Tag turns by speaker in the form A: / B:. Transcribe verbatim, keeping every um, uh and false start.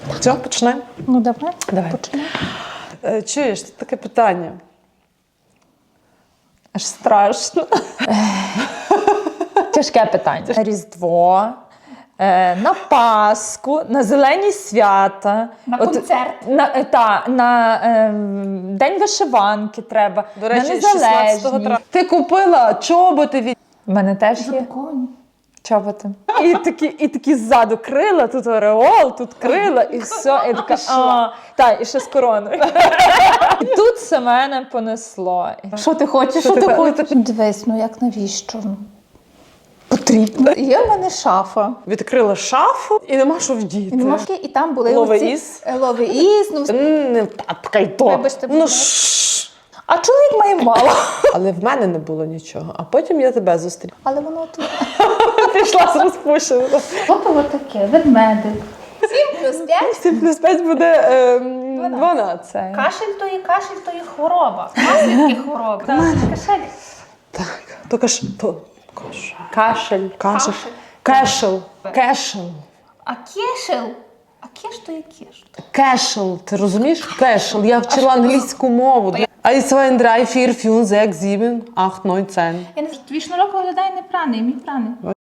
A: Все, почнемо?
B: Ну, давай.
A: Давай.
B: Почнемо.
A: Е, Чуєш, тут таке питання.
B: Аж страшно. Тяжке питання. На Різдво, е, на Пасху, на зелені свята.
C: На концерт.
B: На, е, та, на е, День вишиванки треба.
A: До речі,
B: на
A: шістнадцятого
B: незалежність.
A: травня. Ти купила чоботи від...
B: У мене теж є
C: Запаковані.
B: чоботи. І такі, і такі ззаду крила, тут ореол, тут крила, і все. І така, а, та, і ще з короною. І тут все мене понесло.
C: Що ти хочеш?
A: Що
C: Що
A: ти
C: ти
A: хочеш?
C: хочеш? Дивись, ну як навіщо? Потрібно. Є в мене шафа.
A: Відкрила шафу і нема що вдіти.
C: І, нема шки, і там були
A: Лове
C: оці-
A: із?
C: е, лове із, ну,
A: М, Не тапкай то.
C: Вибачте, будь
A: Ну,
C: ласка.
A: шш.
C: а чоловік має мало.
A: Але в мене не було нічого. А потім я тебе зустріла.
C: Але воно тут.
A: Пішла з розпущеною.
C: Ото таке, ведмедик. сім плюс п'ять.
A: сім плюс п'ять буде ем, дванадцять.
C: Кашель то є кашель, то є хвороба. Наслідки хвороби. Кашель.
A: Так, то каш... То... Каш... Кашель. Кашель.
C: Кашель.
A: Кешел. Кешел.
C: А кешел? А кеш то є кеш.
A: Кешел. Ти розумієш? Кешел. Я вчила англійську мову. eins, zwei, drei, vier, fünf, sechs, sieben, acht, neun, zehn.
C: Я не знаю, твій шнурок виглядає не праний, мій праний.